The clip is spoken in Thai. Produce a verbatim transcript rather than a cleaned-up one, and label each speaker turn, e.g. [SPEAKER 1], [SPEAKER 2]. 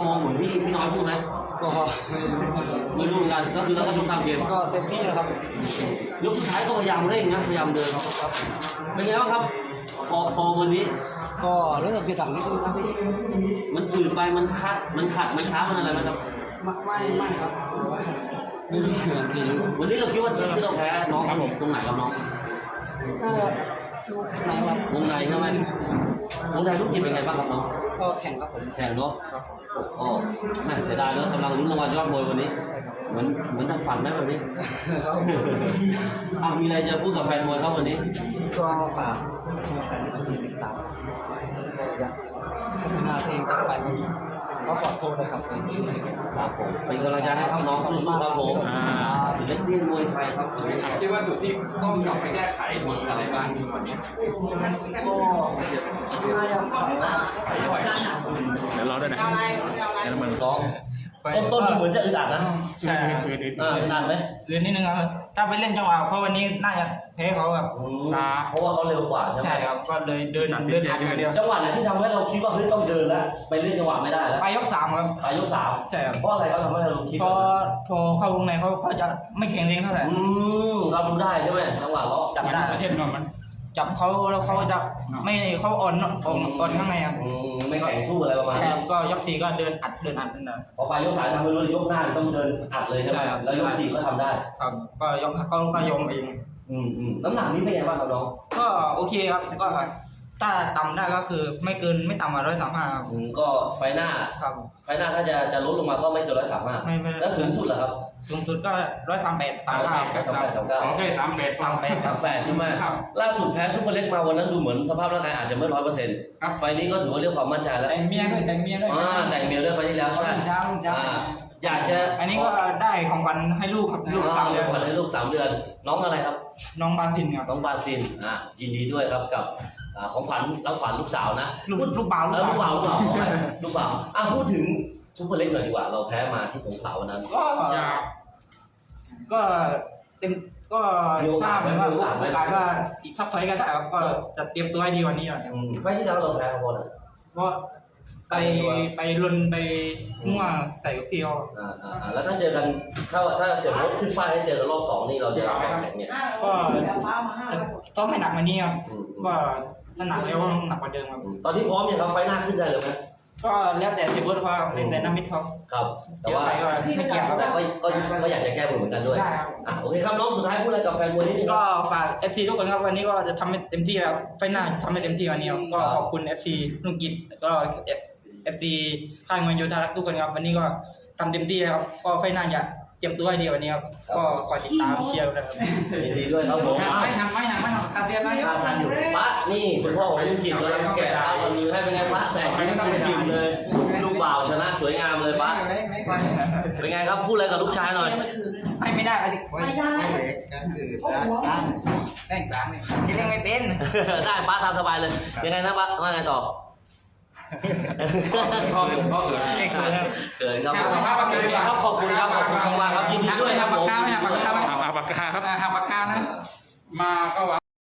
[SPEAKER 1] มองเหมือนพี่พี่น้อยพูดไหม
[SPEAKER 2] ก็
[SPEAKER 1] ไม่รู้เหมือนกันก็คือเราก็ชมตามเกม
[SPEAKER 2] ก็เต็มที่นะครับ
[SPEAKER 1] ยกสุดท้ายก็พยายามเร่งนะพยายามเดินครับเป็นไงบ้างครับพอพอวันนี้
[SPEAKER 2] ก็เรื่องผิดหลังนิดนึงนะพี่
[SPEAKER 1] มันอืดไปมันคัดมันขัดมันช้ามันอะไรไหมครับ
[SPEAKER 2] ไม่ไม่ครับไม่รู้เหมือนพี่
[SPEAKER 1] วันนี้เราคิดว่าที่เราแพ้น้องครับผมตรงไหนครับน้อง
[SPEAKER 2] ก็ไหนครับ
[SPEAKER 1] วงในใช่ไหมวงในลูกยิงเป็นไงบ้างครับน้อง
[SPEAKER 2] ก็แข่งครับผม
[SPEAKER 1] แข่งเนาะอ๋อแม่เสียดายแล้วกำลังลุ้นรางวัลยอดมวยวันนี้เหมือนเหมือนทำฝันไหมวันนี้อ้าวมีอะไรจะพูดกับแฟนมวยครับวันนี้
[SPEAKER 2] ก็ฝากแฟนๆที่ติดตามอยากพัฒนาเพลงต่อไปก็ขอโทษนะครับ
[SPEAKER 1] ครับผมเป็นกำลังใจให้น้องสู้ๆครับผมศิลปินมวยไทยครับ
[SPEAKER 3] คิดว่าจุดที่ต้องกลับไปแก้ไขมีอะไรบ้างวันนี้
[SPEAKER 2] ก็น่าจะ
[SPEAKER 3] ไขไหว
[SPEAKER 4] เดี๋ยวรอด้วยนะเดี๋ยวมัน
[SPEAKER 1] ร้องต้นต้นเหมือนจะอึดอัดนะ
[SPEAKER 5] ใช่ครับ
[SPEAKER 1] อ่าอึดอัดไหม
[SPEAKER 5] อื่นนิดนึงครับถ้าไปเล่นจังหวะเพราะวันนี้น่าจะแพ้เขาแบบ
[SPEAKER 1] ช้าเพราะว่าเขาเร็วกว่าใช่ไหม
[SPEAKER 5] ใช่ครับก็เลยเดินเดินอัดอย่างเดียว
[SPEAKER 1] จังหวะไหนที่ทำให้เราคิดว่าเฮ้ยต้องเดินแล้วไปเล่นจังหวะไม่ได้แล้ว
[SPEAKER 5] ไปยกสามครับ
[SPEAKER 1] ไปยกสาม
[SPEAKER 5] ใช่ครับ
[SPEAKER 1] เพราะอะไรเขาทำให้เราคิด
[SPEAKER 5] เพราะพอเข้าวงในเขาเขาจะไม่แข็งแรงเท่าไหร่
[SPEAKER 1] อืมเราดูได้ใช่ไหมจังหวะเรา
[SPEAKER 5] จับได้
[SPEAKER 4] ประเทศนอนมัน
[SPEAKER 5] จับเขาแล้วเขาจะไม่เขาอ่อนอ่อนอ่อนข้างในครับ
[SPEAKER 1] ไม่แข็งสู้อะไรประมาณนี้
[SPEAKER 5] ก็ยกสี่ก็เดินอัดเดินอัดนั่นแหละ
[SPEAKER 1] พอไปยกสามทำให้รู้ยกหน้าต้องเดินอัดเลยใช่ไหมแล้วยกสี่ก็ทำได้
[SPEAKER 5] ครับก็ยกเขาก็ยอมเอง
[SPEAKER 1] อืมอืมน้ำหนักนี้เป็นไงบ้างครับน้อง
[SPEAKER 5] ก็โอเคครับก็ถ้าต่ำได้ก็คือไม่เกินไม่ต่ำกว่าร้อยสามห้าครับ
[SPEAKER 1] ก็ไฟหน้า
[SPEAKER 5] ครับ
[SPEAKER 1] ไฟหน้าถ้าจะจะลดลงมาก็ไม่เกินร้อยสามห้าแล้วสูงสุดเหรอครับ
[SPEAKER 5] สูงสุดก็ร้อยสามแปดสามเก้า
[SPEAKER 1] สามแปดสามเก้า
[SPEAKER 4] โอเคสามแปด
[SPEAKER 5] สามแปด
[SPEAKER 1] สามแปดใช่ไหมล่าสุดแพ้ซุปเปอร์เล็กมาวันนั้นดูเหมือนสภาพร่างกายอาจจะไม่ร้อยเปอร์เซ็นต์ไฟนี้ก็ถือว่าเรียกความมั่นใจแล้ว
[SPEAKER 5] แต่งเมียด้วยแต่งเมียด้วย
[SPEAKER 1] อ่าแต่งเมียด้วยไฟที่แล้วใช่
[SPEAKER 5] เช้าเช้า
[SPEAKER 1] อยากจะ
[SPEAKER 5] อันนี้ก็ได้ของขวัญให้ลูกครับลูกสามเดือน
[SPEAKER 1] ของขวัญให้ลูกสามเดือนน้องอะไรครับ
[SPEAKER 5] น้องบาซินครับ
[SPEAKER 1] น้องบาซินอ่ายินดีด้วยครับกับของขวัญรับขวัญลูกสาวนะ
[SPEAKER 5] ลูกลูกบ่าว
[SPEAKER 1] ลูกบ่าวลูกบ่าวลูกบ่าวอ่ะพูดถึงซุปเปอร์เล็กหน่อยดีกว่าเราแพ้มาที่สงขลาวันนั้น
[SPEAKER 5] ก็ก็เต็มก็ถ้าเหมือนว่าโอกาสว่าอีกสักไฟก็ได้ครับก็จะเตรียมตัวให้ดีวันนี้หน่อย
[SPEAKER 1] ไฟที่แล้วเราแพ้เขาเพราะอะไร
[SPEAKER 5] เพราะไปไปลุนไปมั่วใส่กับพี่เขา
[SPEAKER 1] อ่าอ่าแล้วถ้าเจอกันถ้าถ้าเสียโค้ชขึ้นป้ายให้เจอกันรอบสองนี่เราจะรับแข่งเนี่ย
[SPEAKER 5] ก็ต้องไม่หนักมานี้ครับก็ถ้าหนักแล้วต้องหนักกว่าเดิมครับ
[SPEAKER 1] ตอนนี้พร้อมยังครับไฟหน้าขึ้นได้เลยไหม
[SPEAKER 5] ก็แล้วแต่เสียโค้ชเขาเป็นแต่น้ำมิดเขา
[SPEAKER 1] ครับแต่ว่าแต่ก็ก็ก็อยากจะแก้มือเหมือนกันด้วยอ่ะโอเคครับน้องสุดท้ายพูดอะไรกับแฟนมวยนิดนึง
[SPEAKER 5] ก็ฝาก เอฟ ซี ทุกคนครับวันนี้ก็จะทำให้เต็มที่ครับไฟหน้าทำให้เต็มที่วันนี้ก็ขอบคุณ เอฟ ซี นุ่งกิจก็ เอฟ ซี ค่ายมวยโยธารักทุกคนครับวันนี้ก็ทำเต็มที่ครับก็ไฟหน้าจะเตรียมตัวให้ดีวันนี้ครับก็คอยติดตามเชียร์นะครับ
[SPEAKER 1] ยินดีด้วยครับผม
[SPEAKER 5] ไม่หักไม่หักไม่หักคาเซียนนะ
[SPEAKER 1] ทานอยู่ป้านี่คุณพ่อของลุงกิจเลยแก่ตาวันมือให้เป็นไงป้าแต่ไม่ต้องกินเลยลูกบ่าวชนะสวยงามเลยป้าเป็นไงครับพูดอะไรกับลูกชายหน่อย
[SPEAKER 5] ไม่ไม่ได้ไม่ได้กันคือตั้งแป้งตั้งนี่กินยังไม่เป็น
[SPEAKER 1] ได้ป้าตามสบายเลยยังไงนะป้าว่าไงต่อ
[SPEAKER 3] พ่อพ่อเกิด
[SPEAKER 1] เกิดครับครับขอบคุณครับขอบคุณมากครับยินดีด้วยครับผม
[SPEAKER 5] ปากกาไม่หักปากกาไม่
[SPEAKER 4] หักปากกาครับ
[SPEAKER 5] หักปากกานะ
[SPEAKER 4] มาก็